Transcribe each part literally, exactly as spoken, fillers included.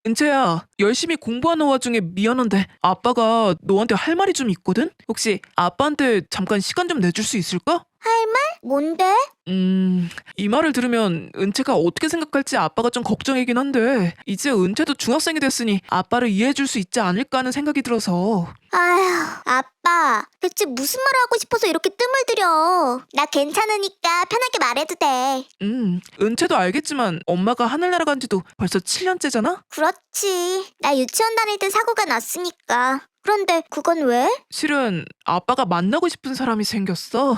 은채야, 열심히 공부하는 와중에 미안한데 아빠가 너한테 할 말이 좀 있거든? 혹시 아빠한테 잠깐 시간 좀 내줄 수 있을까? 할 말? 뭔데? 음, 이 말을 들으면 은채가 어떻게 생각할지 아빠가 좀 걱정이긴 한데 이제 은채도 중학생이 됐으니 아빠를 이해해줄 수 있지 않을까 하는 생각이 들어서. 아휴, 아빠. 대체 무슨 말을 하고 싶어서 이렇게 뜸을 들여. 나 괜찮으니까 편하게 말해도 돼. 음, 은채도 알겠지만 엄마가 하늘나라 간 지도 벌써 칠 년째잖아? 그렇지. 나 유치원 다닐 때 사고가 났으니까. 그런데 그건 왜? 실은 아빠가 만나고 싶은 사람이 생겼어.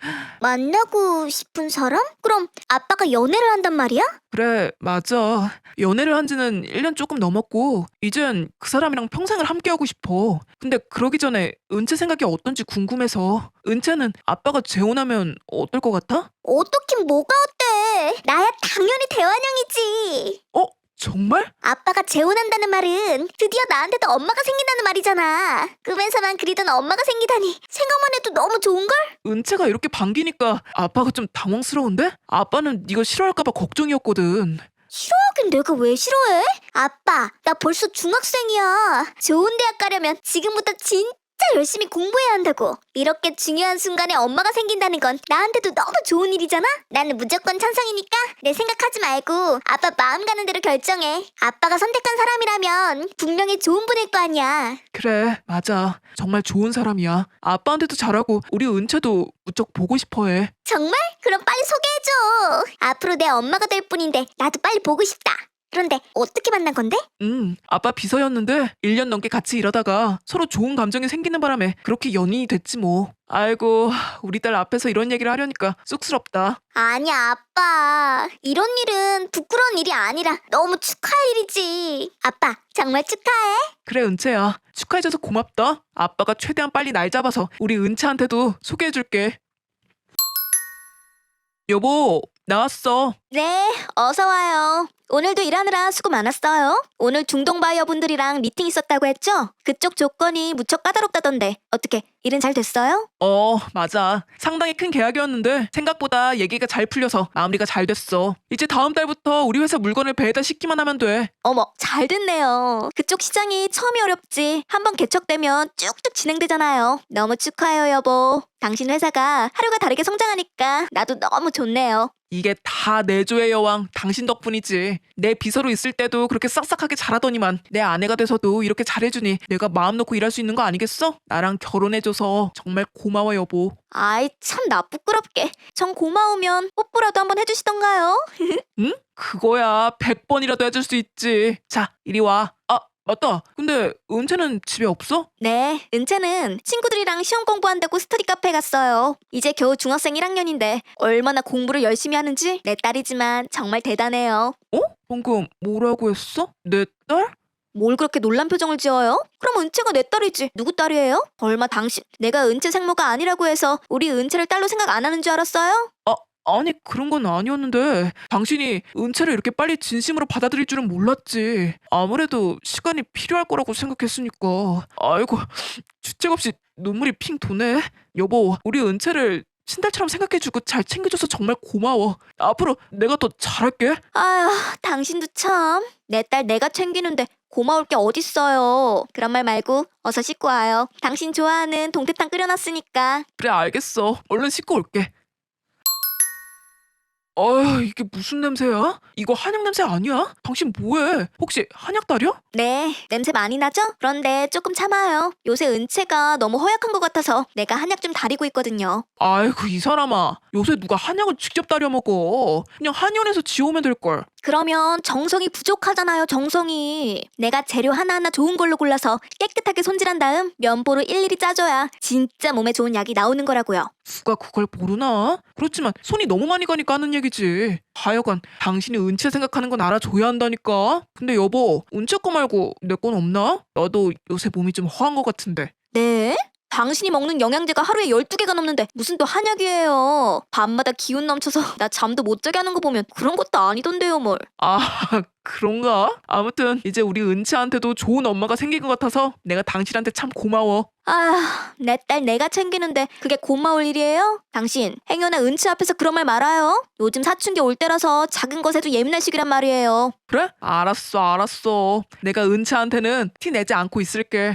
만나고 싶은 사람? 그럼 아빠가 연애를 한단 말이야? 그래, 맞아. 연애를 한 지는 일 년 조금 넘었고, 이젠 그 사람이랑 평생을 함께하고 싶어. 근데 그러기 전에 은채 생각이 어떤지 궁금해서. 은채는 아빠가 재혼하면 어떨 것 같아? 어떻긴 뭐가 어때? 나야 당연히 대환영이지. 어? 정말? 아빠가 재혼한다는 말은 드디어 나한테도 엄마가 생긴다는 말이잖아. 꿈에서만 그리던 엄마가 생기다니 생각만 해도 너무 좋은걸? 은채가 이렇게 반기니까 아빠가 좀 당황스러운데? 아빠는 네가 싫어할까 봐 걱정이었거든. 싫어하긴 내가 왜 싫어해? 아빠, 나 벌써 중학생이야. 좋은 대학 가려면 지금부터 진짜 열심히 공부해야 한다고. 이렇게 중요한 순간에 엄마가 생긴다는 건 나한테도 너무 좋은 일이잖아? 나는 무조건 찬성이니까 내 생각하지 말고 아빠 마음 가는 대로 결정해. 아빠가 선택한 사람이라면 분명히 좋은 분일 거 아니야. 그래, 맞아. 정말 좋은 사람이야. 아빠한테도 잘하고 우리 은채도 무척 보고 싶어해. 정말? 그럼 빨리 소개해줘. 앞으로 내 엄마가 될 뿐인데 나도 빨리 보고 싶다. 그런데 어떻게 만난 건데? 음, 아빠 비서였는데 일 년 넘게 같이 일하다가 서로 좋은 감정이 생기는 바람에 그렇게 연인이 됐지 뭐. 아이고, 우리 딸 앞에서 이런 얘기를 하려니까 쑥스럽다. 아니야, 아빠. 이런 일은 부끄러운 일이 아니라 너무 축하할 일이지. 아빠, 정말 축하해. 그래, 은채야. 축하해줘서 고맙다. 아빠가 최대한 빨리 날 잡아서 우리 은채한테도 소개해줄게. 여보, 나왔어. 네, 어서 와요. 오늘도 일하느라 수고 많았어요. 오늘 중동 바이어 분들이랑 미팅 있었다고 했죠? 그쪽 조건이 무척 까다롭다던데 어떻게 일은 잘 됐어요? 어, 맞아. 상당히 큰 계약이었는데 생각보다 얘기가 잘 풀려서 마무리가 잘 됐어. 이제 다음 달부터 우리 회사 물건을 배달시키만 하면 돼. 어머, 잘 됐네요. 그쪽 시장이 처음이 어렵지. 한번 개척되면 쭉쭉 진행되잖아요. 너무 축하해요, 여보. 당신 회사가 하루가 다르게 성장하니까 나도 너무 좋네요. 이게 다 내조의 여왕 당신 덕분이지. 내 비서로 있을 때도 그렇게 싹싹하게 잘하더니만 내 아내가 돼서도 이렇게 잘해주니 내가 마음 놓고 일할 수 있는 거 아니겠어? 나랑 결혼해줘서 정말 고마워 여보. 아이, 참 나 부끄럽게. 정 고마우면 뽀뽀라도 한번 해주시던가요? 응? 그거야 백 번이라도 해줄 수 있지. 자, 이리 와. 아, 맞다. 근데 은채는 집에 없어? 네, 은채는 친구들이랑 시험 공부한다고 스터디 카페 갔어요. 이제 겨우 중학생 일 학년인데 얼마나 공부를 열심히 하는지 내 딸이지만 정말 대단해요. 어? 방금 뭐라고 했어? 내 딸? 뭘 그렇게 놀란 표정을 지어요? 그럼 은채가 내 딸이지. 누구 딸이에요? 얼마 당신 내가 은채 생모가 아니라고 해서 우리 은채를 딸로 생각 안 하는 줄 알았어요? 아, 아니 그런 건 아니었는데 당신이 은채를 이렇게 빨리 진심으로 받아들일 줄은 몰랐지. 아무래도 시간이 필요할 거라고 생각했으니까. 아이고, 주책 없이 눈물이 핑 도네. 여보, 우리 은채를 친딸처럼 생각해주고 잘 챙겨줘서 정말 고마워. 앞으로 내가 더 잘할게. 아휴, 당신도 참. 내 딸 내가 챙기는데 고마울 게 어딨어요. 그런 말 말고 어서 씻고 와요. 당신 좋아하는 동태탕 끓여놨으니까. 그래, 알겠어. 얼른 씻고 올게. 어휴, 이게 무슨 냄새야? 이거 한약 냄새 아니야? 당신 뭐해? 혹시 한약 다려? 네, 냄새 많이 나죠? 그런데 조금 참아요. 요새 은채가 너무 허약한 것 같아서 내가 한약 좀 다리고 있거든요. 아이고, 이 사람아. 요새 누가 한약을 직접 다려 먹어. 그냥 한의원에서 지오면 될걸. 그러면 정성이 부족하잖아요, 정성이. 내가 재료 하나하나 좋은 걸로 골라서 깨끗하게 손질한 다음 면보로 일일이 짜줘야 진짜 몸에 좋은 약이 나오는 거라고요. 누가 그걸 모르나? 그렇지만 손이 너무 많이 가니까 하는 얘기지. 하여간 당신이 은채 생각하는 건 알아줘야 한다니까. 근데 여보, 은채 거 말고 내 건 없나? 나도 요새 몸이 좀 허한 것 같은데. 네? 당신이 먹는 영양제가 하루에 열두 개가 넘는데 무슨 또 한약이에요. 밤마다 기운 넘쳐서 나 잠도 못 자게 하는 거 보면 그런 것도 아니던데요 뭘. 아, 그런가? 아무튼 이제 우리 은채한테도 좋은 엄마가 생긴 것 같아서 내가 당신한테 참 고마워. 아휴, 내 딸 내가 챙기는데 그게 고마울 일이에요? 당신 행여나 은치 앞에서 그런 말 말아요. 요즘 사춘기 올 때라서 작은 것에도 예민할 시기란 말이에요. 그래? 알았어, 알았어. 내가 은채한테는 티 내지 않고 있을게.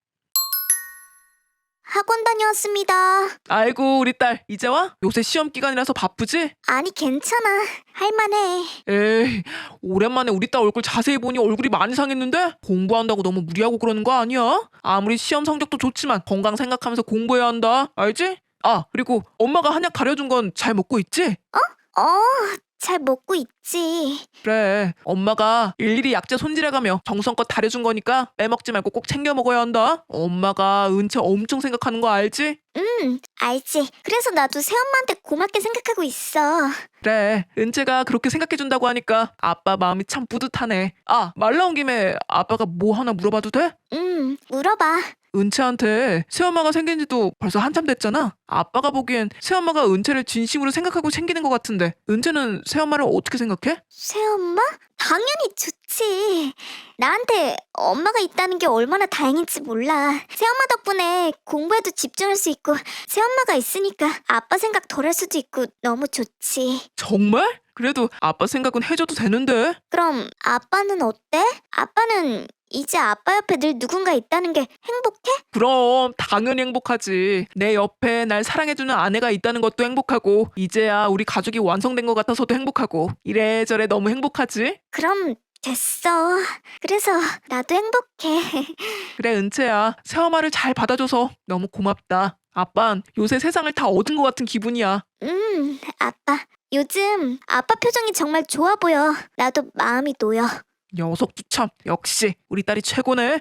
학원 다녀왔습니다. 아이고, 우리 딸 이제 와? 요새 시험 기간이라서 바쁘지? 아니 괜찮아. 할만해. 에이, 오랜만에 우리 딸 얼굴 자세히 보니 얼굴이 많이 상했는데? 공부한다고 너무 무리하고 그러는 거 아니야? 아무리 시험 성적도 좋지만 건강 생각하면서 공부해야 한다. 알지? 아, 그리고 엄마가 한약 가려준 건 잘 먹고 있지? 어, 잘 먹고 있지. 그래, 엄마가 일일이 약재 손질해가며 정성껏 다려준 거니까 빼먹지 말고 꼭 챙겨 먹어야 한다. 엄마가 은채 엄청 생각하는 거 알지? 응, 알지. 그래서 나도 새엄마한테 고맙게 생각하고 있어. 그래, 은채가 그렇게 생각해준다고 하니까 아빠 마음이 참 뿌듯하네. 아, 말 나온 김에 아빠가 뭐 하나 물어봐도 돼? 응, 물어봐. 은채한테 새엄마가 생긴 지도 벌써 한참 됐잖아. 아빠가 보기엔 새엄마가 은채를 진심으로 생각하고 챙기는 것 같은데 은채는 새엄마를 어떻게 생각해? 새엄마? 당연히 좋지. 나한테 엄마가 있다는 게 얼마나 다행인지 몰라. 새엄마 덕분에 공부에도 집중할 수 있고 새엄마가 있으니까 아빠 생각 덜 할 수도 있고 너무 좋지. 정말? 그래도 아빠 생각은 해줘도 되는데. 그럼 아빠는 어때? 아빠는 이제 아빠 옆에 늘 누군가 있다는 게 행복해? 그럼 당연히 행복하지. 내 옆에 날 사랑해주는 아내가 있다는 것도 행복하고 이제야 우리 가족이 완성된 것 같아서도 행복하고 이래저래 너무 행복하지? 그럼 됐어. 그래서 나도 행복해. 그래 은채야, 새엄마를 잘 받아줘서 너무 고맙다. 아빤 요새 세상을 다 얻은 것 같은 기분이야. 음, 아빠. 요즘 아빠 표정이 정말 좋아 보여. 나도 마음이 놓여. 녀석도 참 역시 우리 딸이 최고네.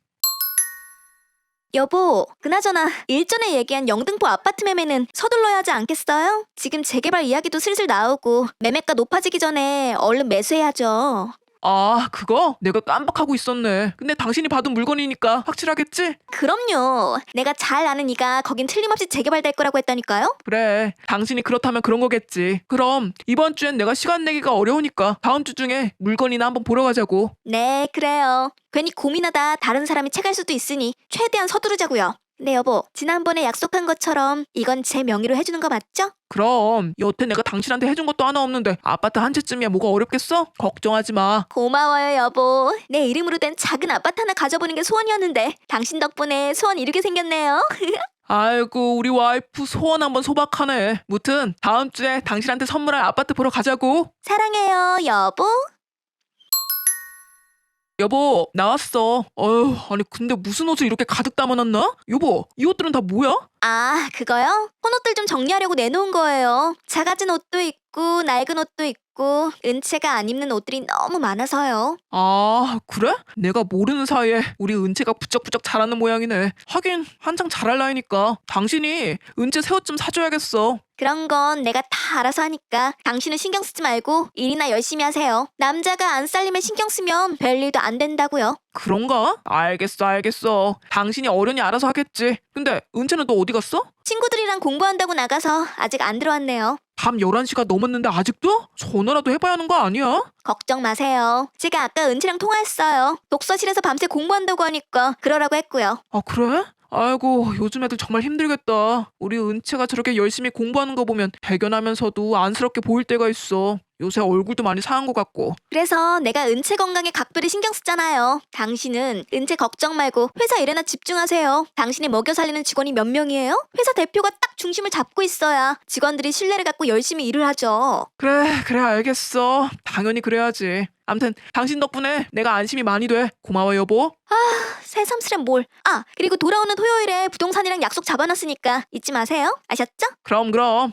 여보, 그나저나 일전에 얘기한 영등포 아파트 매매는 서둘러야 하지 않겠어요? 지금 재개발 이야기도 슬슬 나오고 매매가 높아지기 전에 얼른 매수해야죠. 아, 그거? 내가 깜빡하고 있었네. 근데 당신이 받은 물건이니까 확실하겠지? 그럼요. 내가 잘 아는 이가 거긴 틀림없이 재개발될 거라고 했다니까요. 그래, 당신이 그렇다면 그런 거겠지. 그럼 이번 주엔 내가 시간 내기가 어려우니까 다음 주 중에 물건이나 한번 보러 가자고. 네, 그래요. 괜히 고민하다 다른 사람이 채갈 수도 있으니 최대한 서두르자고요. 네, 여보. 지난번에 약속한 것처럼 이건 제 명의로 해주는 거 맞죠? 그럼 여태 내가 당신한테 해준 것도 하나 없는데 아파트 한 채쯤이야 뭐가 어렵겠어? 걱정하지 마. 고마워요, 여보. 내 이름으로 된 작은 아파트 하나 가져보는 게 소원이었는데 당신 덕분에 소원 이루게 생겼네요. 아이고, 우리 와이프 소원 한번 소박하네. 무튼 다음 주에 당신한테 선물할 아파트 보러 가자고. 사랑해요, 여보. 여보, 나왔어. 어휴, 아니 근데 무슨 옷을 이렇게 가득 담아놨나? 여보, 이 옷들은 다 뭐야? 아, 그거요? 헌옷들 좀 정리하려고 내놓은 거예요. 작아진 옷도 있고 낡은 옷도 있고 은채가 안 입는 옷들이 너무 많아서요. 아, 그래? 내가 모르는 사이에 우리 은채가 부쩍부쩍 자라는 모양이네. 하긴 한창 자랄 나이니까 당신이 은채 새 옷 좀 사줘야겠어. 그런 건 내가 다 알아서 하니까 당신은 신경 쓰지 말고 일이나 열심히 하세요. 남자가 안 살림에 신경 쓰면 별일도 안 된다고요. 그런가? 알겠어, 알겠어. 당신이 어련히 알아서 하겠지. 근데 은채는 너 어디 갔어? 친구들이랑 공부한다고 나가서 아직 안 들어왔네요. 밤 열한 시가 넘었는데 아직도? 전화라도 해봐야 하는 거 아니야? 걱정 마세요. 제가 아까 은채랑 통화했어요. 독서실에서 밤새 공부한다고 하니까 그러라고 했고요. 아, 그래? 아이고, 요즘 애들 정말 힘들겠다. 우리 은채가 저렇게 열심히 공부하는 거 보면 배견하면서도 안쓰럽게 보일 때가 있어. 요새 얼굴도 많이 상한 것 같고. 그래서 내가 은채 건강에 각별히 신경 쓰잖아요. 당신은 은채 걱정 말고 회사 일에나 집중하세요. 당신이 먹여 살리는 직원이 몇 명이에요? 회사 대표가 딱 중심을 잡고 있어야 직원들이 신뢰를 갖고 열심히 일을 하죠. 그래, 그래, 알겠어. 당연히 그래야지. 암튼 당신 덕분에 내가 안심이 많이 돼. 고마워, 여보. 새삼스레 뭘. 아, 그리고 돌아오는 토요일에 부동산이랑 약속 잡아놨으니까 잊지 마세요. 아셨죠? 그럼, 그럼.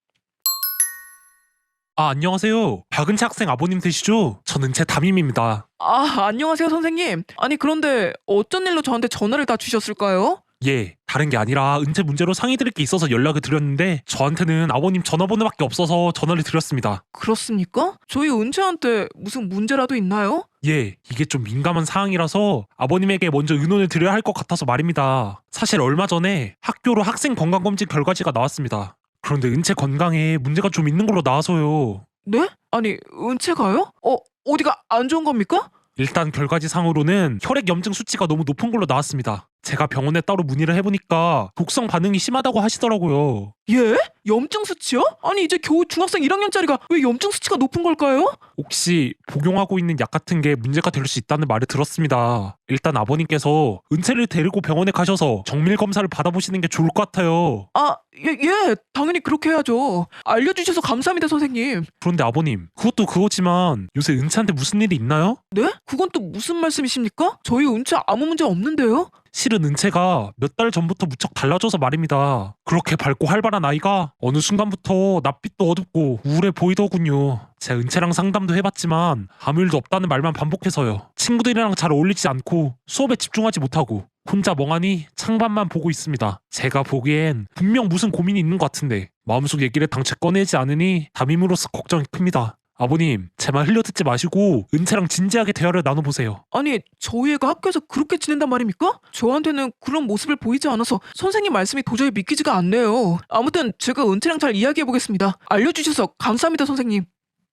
아, 안녕하세요. 박은채 학생 아버님 되시죠? 저는 제 담임입니다. 아, 안녕하세요, 선생님. 아니, 그런데 어쩐 일로 저한테 전화를 다 주셨을까요? 예, 다른 게 아니라 은퇴 문제로 상의드릴 게 있어서 연락을 드렸는데 저한테는 아버님 전화번호밖에 없어서 전화를 드렸습니다. 그렇습니까? 저희 은채한테 무슨 문제라도 있나요? 예, 이게 좀 민감한 사항이라서 아버님에게 먼저 의논을 드려야 할 것 같아서 말입니다. 사실 얼마 전에 학교로 학생 건강검진 결과지가 나왔습니다. 그런데 은채 건강에 문제가 좀 있는 걸로 나와서요. 네? 아니, 은채가요? 어, 어디가 안 좋은 겁니까? 일단 결과지 상으로는 혈액 염증 수치가 너무 높은 걸로 나왔습니다. 제가 병원에 따로 문의를 해보니까 독성 반응이 심하다고 하시더라고요. 예? 염증 수치요? 아니, 이제 겨우 중학생 일 학년짜리가 왜 염증 수치가 높은 걸까요? 혹시 복용하고 있는 약 같은 게 문제가 될 수 있다는 말을 들었습니다. 일단 아버님께서 은채를 데리고 병원에 가셔서 정밀 검사를 받아보시는 게 좋을 것 같아요. 아, 예, 예, 당연히 그렇게 해야죠. 알려주셔서 감사합니다, 선생님. 그런데 아버님, 그것도 그거지만 요새 은채한테 무슨 일이 있나요? 네? 그건 또 무슨 말씀이십니까? 저희 은채 아무 문제 없는데요? 실은 은채가 몇 달 전부터 무척 달라져서 말입니다. 그렇게 밝고 활발한 아이가 어느 순간부터 낯빛도 어둡고 우울해 보이더군요. 제가 은채랑 상담도 해봤지만 아무 일도 없다는 말만 반복해서요. 친구들이랑 잘 어울리지 않고 수업에 집중하지 못하고 혼자 멍하니 창밖만 보고 있습니다. 제가 보기엔 분명 무슨 고민이 있는 것 같은데 마음속 얘기를 당최 꺼내지 않으니 담임으로서 걱정이 큽니다. 아버님, 제 말 흘려듣지 마시고 은채랑 진지하게 대화를 나눠보세요. 아니, 저희 애가 학교에서 그렇게 지낸단 말입니까? 저한테는 그런 모습을 보이지 않아서 선생님 말씀이 도저히 믿기지가 않네요. 아무튼 제가 은채랑 잘 이야기해보겠습니다. 알려주셔서 감사합니다, 선생님.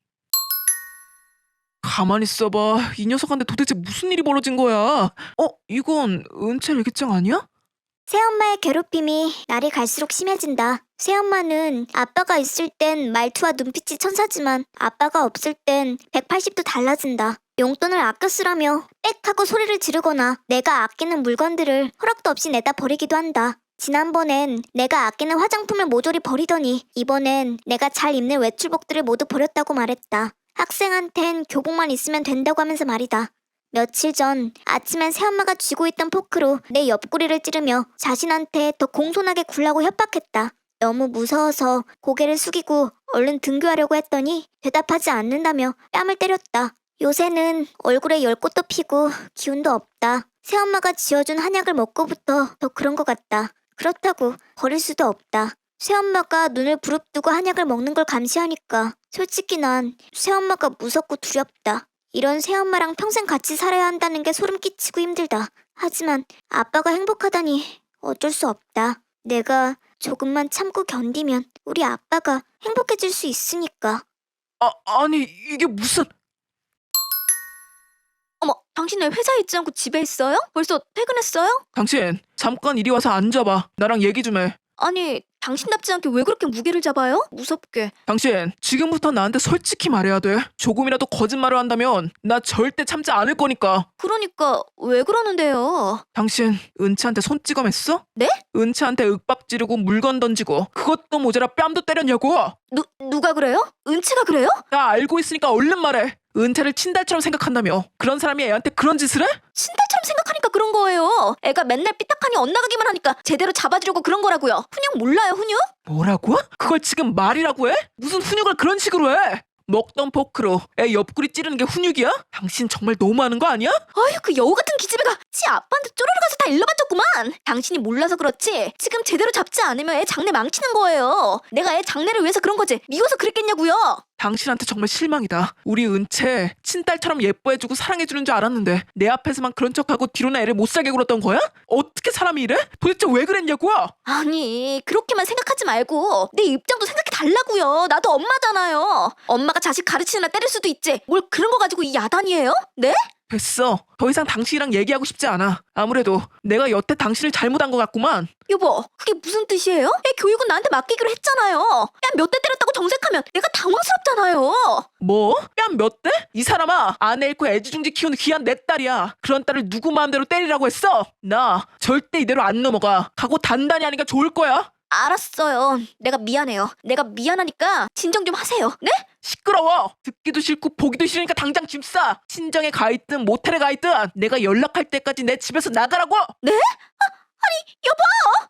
가만히 있어봐. 이 녀석한테 도대체 무슨 일이 벌어진 거야? 어? 이건 은채 일기장 아니야? 새엄마의 괴롭힘이 날이 갈수록 심해진다. 새엄마는 아빠가 있을 땐 말투와 눈빛이 천사지만 아빠가 없을 땐 백팔십 도 달라진다. 용돈을 아껴 쓰라며 빽 하고 소리를 지르거나 내가 아끼는 물건들을 허락도 없이 내다 버리기도 한다. 지난번엔 내가 아끼는 화장품을 모조리 버리더니 이번엔 내가 잘 입는 외출복들을 모두 버렸다고 말했다. 학생한텐 교복만 있으면 된다고 하면서 말이다. 며칠 전 아침엔 새엄마가 쥐고 있던 포크로 내 옆구리를 찌르며 자신한테 더 공손하게 굴라고 협박했다. 너무 무서워서 고개를 숙이고 얼른 등교하려고 했더니 대답하지 않는다며 뺨을 때렸다. 요새는 얼굴에 열꽃도 피고 기운도 없다. 새엄마가 지어준 한약을 먹고부터 더 그런 것 같다. 그렇다고 버릴 수도 없다. 새엄마가 눈을 부릅뜨고 한약을 먹는 걸 감시하니까 솔직히 난 새엄마가 무섭고 두렵다. 이런 새엄마랑 평생 같이 살아야 한다는 게 소름 끼치고 힘들다. 하지만 아빠가 행복하다니 어쩔 수 없다. 내가 조금만 참고 견디면 우리 아빠가 행복해질 수 있으니까. 아, 아니, 이게 무슨... 어머, 당신 왜 회사에 있지 않고 집에 있어요? 벌써 퇴근했어요? 당신, 잠깐 이리 와서 앉아봐. 나랑 얘기 좀 해. 아니, 당신답지 않게 왜 그렇게 무게를 잡아요? 무섭게. 당신, 지금부터 나한테 솔직히 말해야 돼. 조금이라도 거짓말을 한다면 나 절대 참지 않을 거니까. 그러니까 왜 그러는데요? 당신, 은채한테 손찌검했어? 네? 은채한테 윽박 지르고 물건 던지고 그것도 모자라 뺨도 때렸냐고. 누, 누가 그래요? 은채가 그래요? 나 알고 있으니까 얼른 말해. 은채를 친달처럼 생각한다며. 그런 사람이 애한테 그런 짓을 해? 친딸처럼 생각하니까 그런 거예요. 애가 맨날 삐딱하니 엇나가기만 하니까 제대로 잡아주려고 그런 거라고요. 훈육 몰라요, 훈육? 뭐라고? 그걸 지금 말이라고 해? 무슨 훈육을 그런 식으로 해? 먹던 포크로 애 옆구리 찌르는 게 훈육이야? 당신 정말 너무하는 거 아니야? 아유, 그 여우 같은 기집애가 지 아빠한테 쪼르르 가서 다 일러바쳤구만. 당신이 몰라서 그렇지 지금 제대로 잡지 않으면 애 장래 망치는 거예요. 내가 애 장래를 위해서 그런 거지 미워서 그랬겠냐고요. 당신한테 정말 실망이다. 우리 은채 친딸처럼 예뻐해주고 사랑해주는 줄 알았는데 내 앞에서만 그런 척하고 뒤로는 애를 못 살게 굴었던 거야? 어떻게 사람이 이래? 도대체 왜 그랬냐고? 아니, 그렇게만 생각하지 말고 내 입장도 생각해 달라고요. 나도 엄마잖아요. 엄마가 자식 가르치느라 때릴 수도 있지 뭘 그런 거 가지고 이 야단이에요? 네? 됐어. 더 이상 당신이랑 얘기하고 싶지 않아. 아무래도 내가 여태 당신을 잘못한 것 같구만. 여보, 그게 무슨 뜻이에요? 애 교육은 나한테 맡기기로 했잖아요. 야, 몇 대 때렸다고 정색하면 내가 당황스럽잖아요. 뭐? 뺨 몇 대? 이 사람아, 아내 잃고 애지중지 키우는 귀한 내 딸이야. 그런 딸을 누구 마음대로 때리라고 했어? 나 절대 이대로 안 넘어가. 각오 단단히 하니까 좋을 거야. 알았어요. 내가 미안해요. 내가 미안하니까 진정 좀 하세요. 네? 시끄러워. 듣기도 싫고 보기도 싫으니까 당장 짐 싸. 친정에 가 있든 모텔에 가 있든 내가 연락할 때까지 내 집에서 나가라고. 네? 아, 아니, 여보!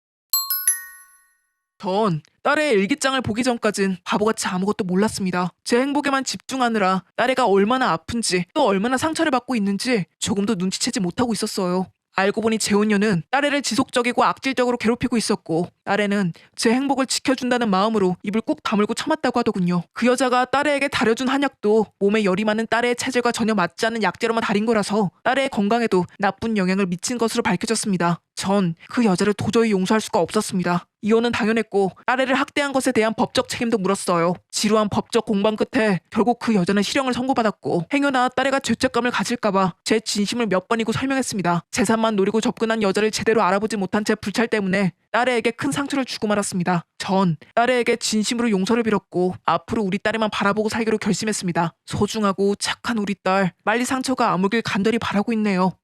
전 딸의 일기장을 보기 전까진 바보같이 아무것도 몰랐습니다. 제 행복에만 집중하느라 딸애가 얼마나 아픈지 또 얼마나 상처를 받고 있는지 조금도 눈치채지 못하고 있었어요. 알고 보니 재훈녀는 딸애를 지속적이고 악질적으로 괴롭히고 있었고 딸애는 제 행복을 지켜준다는 마음으로 입을 꾹 다물고 참았다고 하더군요. 그 여자가 딸애에게 다려준 한약도 몸에 열이 많은 딸애의 체질과 전혀 맞지 않는 약재로만 다린 거라서 딸애의 건강에도 나쁜 영향을 미친 것으로 밝혀졌습니다. 전 그 여자를 도저히 용서할 수가 없었습니다. 이혼은 당연했고 딸애를 학대한 것에 대한 법적 책임도 물었어요. 지루한 법적 공방 끝에 결국 그 여자는 실형을 선고받았고 행여나 딸애가 죄책감을 가질까봐 제 진심을 몇 번이고 설명했습니다. 재산만 노리고 접근한 여자를 제대로 알아보지 못한 제 불찰 때문에 딸애에게 큰 상처를 주고 말았습니다. 전 딸애에게 진심으로 용서를 빌었고 앞으로 우리 딸애만 바라보고 살기로 결심했습니다. 소중하고 착한 우리 딸, 빨리 상처가 아물길 간절히 바라고 있네요.